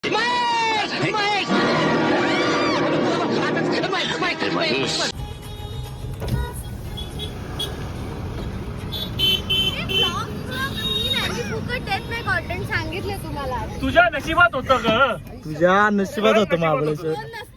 सांगितले तुम्हाला तुझ्या नशिबात होतं ग. तुझ्या नशिबात होतं महाबळेश्वर.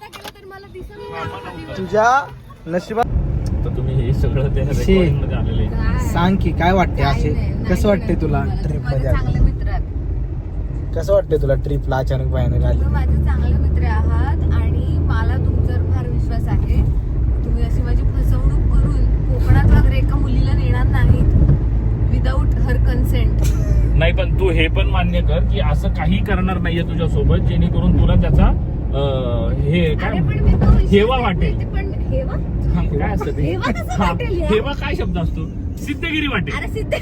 तुझ्या नशिबात. तर तुम्ही हे सगळं त्या रेकॉर्डिंग मध्ये आलेले. सांग की काय वाटते असे कसं वाटते तुला ट्रिप मध्ये चांगले मित्र आहात. कसं वाटते तुला ट्रिपला अचानक भयानक आली. तुम्ही माझे चांगले मित्र आहात आणि मला तुमच्यावर फार विश्वास आहे. तुम्ही अशी माझी फसवणूक करून कोकणात वगैरे एका मुलीला नेणार नाहीत विदाऊट हर कन्सेंट. नाही पण तू हे पण मान्य कर की असं काही करणार नाहीये तुझ्या सोबत जेणेकरून तुला त्याचा हे काय हेवा वाटेल. पण हेवा काय असतं ते? हेवा कसं वाटेल यार? हेवा काय शब्द असतो? सिद्धगिरी वाटेल. अरे सिद्ध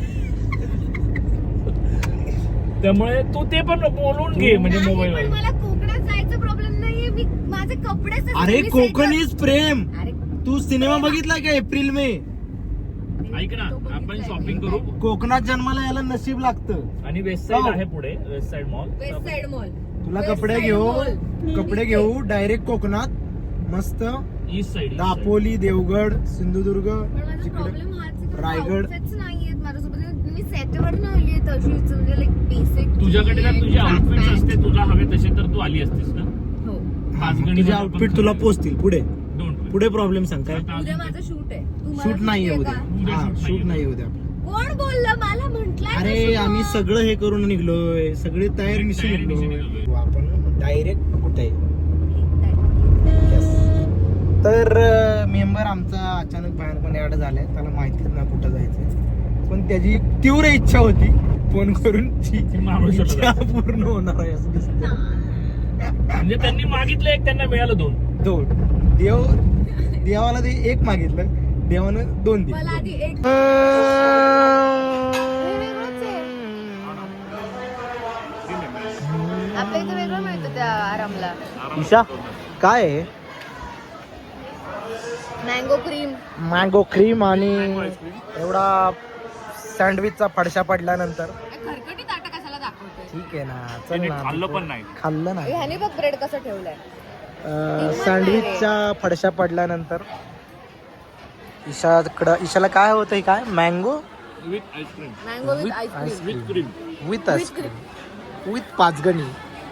त्यामुळे तू ते पण बोलून घे म्हणजे नाही, मोबाईल पण मला कोकणात जायचा प्रॉब्लेम नाहीये. मी माझे कपडे अरे कोकण इज प्रेम. अरे तू सिनेमा बघितला का एप्रिल मे. ऐक ना आपण शॉपिंग करू कोकणात जन्माला यायला नशीब लागतं. आणि वेस्ट साइड आहे पुढे west side mall. West side mall तुला West कपडे Side घेऊ Mall. कपडे घेऊ डायरेक्ट कोकणात मस्त ईस्ट साइड दापोली देवगड सिंधुदुर्ग पण माझा तिकडे प्रॉब्लेम हाच आहे की रायगड. outfits नाहीयेत माझ्यासोबत. मी सेटवर नाही आली तशीच म्हणजे लाईक बेसिक. तुझ्याकडे जर तुझे आउटफिट्स असते तुला हवे तसे तर तू आली असतीस ना. हो तुझे आउटफिट तुला पोचतील पुढे डोंट पुढे प्रॉब्लेम सांग काय. उद्या माझं शूट आहे. तू मला शूट नाही सुट्टी उद्या. आहे का? हा शूट नाही उद्या. कोण बोललं मला म्हंटलंय अरे ना शुभम. आम्ही सगळं हे करून निघलोय सगळे तयारीनिशी निघलोय. आपण डायरेक्ट कुठे तर मेंबर आमचा अचानक भयानकपणे ऍड झालाय. त्याला माहितीच ना कुठं जायचंय पण त्याची तीव्र इच्छा होती फोन करून ती महाबळेश्वरला इच्छा पूर्ण होणार आहे असं दिसतं. म्हणजे त्यांनी मागितलं एक त्यांना मिळालं दोन. दोन देवाला ते एक मागितलं देवानं दोन दिले. मला आधी एक आपल्या इथे वेगळं मिळतं त्या आरामला. ईशा काय आहे. Mango cream. मँगो क्रीम आणि एवढा सँडविचचा फडशा पडल्यानंतर खरकटी ताटा कशाला दाखवतोय. ठीक आहे ना चल त्यांनी ना. खाल्लं पण नाही. खाल्लं नाही. ह्याने बघ ब्रेड कसं ठेवलंय. सँडविचच्या फडशा पडल्यानंतर ईशाला काय होतं काय mango with ice cream. Mango with With ice cream. With cream. With ice cream with Panchgani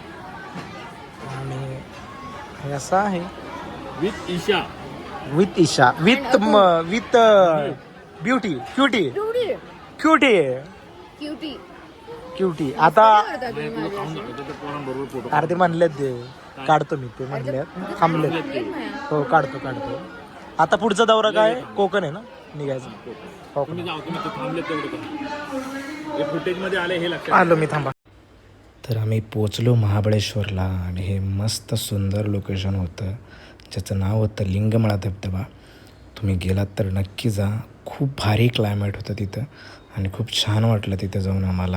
आणि हे असं आहे with Isha. With Isha with with beauty cutie cutie cutie. Cutie. आता तुम्ही तुला खाऊन दाखवतो त्या पोरांबरोबर फोटो. अरे ते म्हणलेत ते काढतो मी ते म्हणलेत थांबलेत. हो काढतो आता पुढचा दौरा काय कोकण आहे ना निघायचं. तुम्ही जाऊ तुम्ही थांबले तेवढं करा. हे फुटेज मध्ये आले हे लक्षात आलो मी थांबा. तर आम्ही पोचलो महाबळेश्वरला आणि हे मस्त सुंदर लोकेशन होतं ज्याचं नाव होतं लिंगमळा धबधबा. तुम्ही गेलात तर नक्की जा. खूप भारी क्लायमेट होतं तिथं आणि खूप छान वाटलं तिथं जाऊन आम्हाला.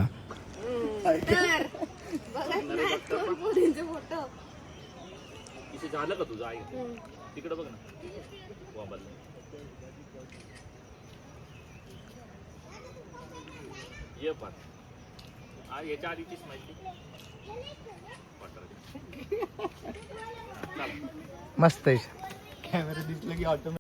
इथे झालं का तुझं आई तिकडे बघ ना. ये पण याच्या आधीचीच माहिती मस्त आहे. कॅमेरा दिसलं की ऑटोमॅटिक